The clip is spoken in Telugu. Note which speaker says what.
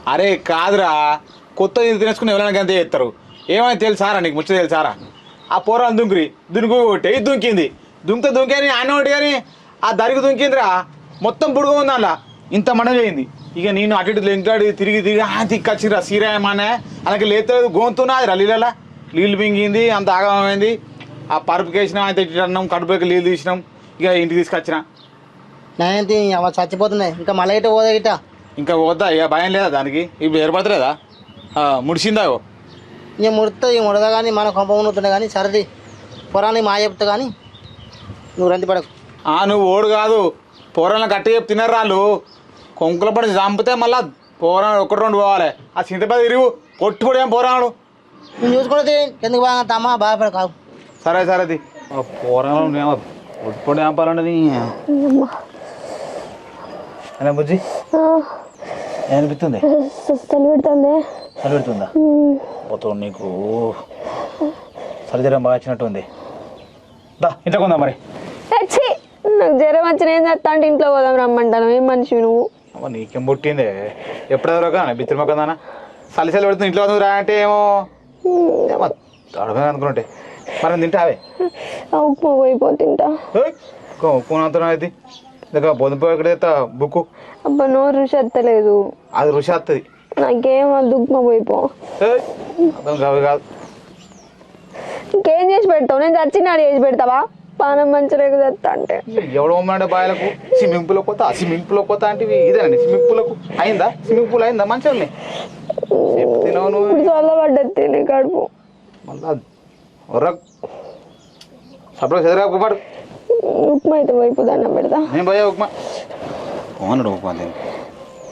Speaker 1: అరే కాదురా, కొత్త తినేసుకుని ఎవరైనా అంతే చేస్తారు. ఏమైనా తెలుసారా నీకు? ముచ్చట తెలుసారా? ఆ పోరాలు దునికి కొట్టే ఇది దుంకింది. దుంకని ఆయన ఒకటి కానీ ఆ దరికి దుంకిందిరా, మొత్తం బుడుగ ఉంది అలా, ఇంత మండ చేయింది. ఇక నేను అటు ఇటు లెంకాడి తిరిగి తిక్కచ్చిరా సీరాయమానే అలాగే లేతలేదు గోంతున్నా అది నీళ్ళలా నీళ్ళు మింగింది, అంత ఆగమైంది. ఆ పరుపుకి వేసినాం, ఆయన తెచ్చినాం, కడుపుకి నీళ్ళు తీసినాం, ఇక ఇంటికి తీసుకొచ్చిన.
Speaker 2: నేనేంటి అవ చచ్చిపోతున్నాయి, ఇంకా మళ్ళీ ఇట పోదా ఇట
Speaker 1: ఇంకా పోద్దా? ఇక భయం లేదా దానికి? ఇప్పుడు ఏర్పడతలేదా? ముడిసిందా?
Speaker 2: నేను ముడదా కానీ మన కొంప ఉంటుండే కానీ సరది పొరాన్ని మా చెప్తా కానీ నువ్వు రంది పడకు.
Speaker 1: నువ్వు ఓడు కాదు, పోరాలను గట్టి చెప్పి తినరు వాళ్ళు. కొంకుల పడి చంపితే మళ్ళా పోరాలు ఒకటి రెండు పోవాలి. ఆ చింతపది ఇరుగు కొట్టుబడి ఏం పోరాడు
Speaker 2: నేను చూసుకున్నది ఎందుకు బాగా తమ్మా బాధపడ కాదు.
Speaker 1: సరే సరేది పోరాలు కొట్టుబడి చంపాలండి. అలా బుజ్జి ఏమనిపిస్తుంది?
Speaker 3: చలి పెడుతుంది.
Speaker 1: చలి పెడుతుందా? పోతావు నీకు చలి జ్వరం బాగా వచ్చినట్టుంది. దా ఇంట్లో కొందా మరి.
Speaker 3: నాకు జ్వరం వచ్చిన ఏం చేస్తా అంటే ఇంట్లో పోదాం రమ్మంటాను. ఏం మనిషి నువ్వు?
Speaker 1: నీకేం పుట్టిందే? ఎప్పుడెవరో కానీ బిత్తిరి మొక్కదానా చలి చలి పెడుతుంది. ఇంట్లో రా అంటే ఏమో అడగ అనుకుంటే మనం తింటావే.
Speaker 3: ఉప్మా పోయిపో తింటా.
Speaker 1: ఉప్పు అంతా అయితే దగ్గర బొందిపో ఎక్కడ బుక్కు.
Speaker 3: అబ్బా నోరు రుచి వస్తలేదు.
Speaker 1: అది రుచి వస్తుంది.
Speaker 3: నాకేం వద్దు, ఉప్మా పోయిపో.
Speaker 1: కాదు కాదు
Speaker 3: ఇంకేం చేసి పెడతావు? నేను చచ్చినాడు చేసి పెడతావా? పానం మంచిగా తెస్తా అంటే
Speaker 1: ఎవడో అంటే బాయలకు స్విమ్మింగ్ పూల్ పోతా, స్విమ్మింగ్ పూల్ పోతా అంటే ఇదేనండి. స్విమ్మింగ్ పూలకు అయిందా? స్విమ్మింగ్ పూల్ అయిందా? మంచిగా
Speaker 3: చల్లబడ్డది తిని కడుపు
Speaker 1: మళ్ళా సపరేట్ చదివాడు.
Speaker 3: ఉప్మా అయితే వైపు దండం పెడతా.
Speaker 1: నేను పోయా ఉప్మా పోన్నాడు ఉప్మా.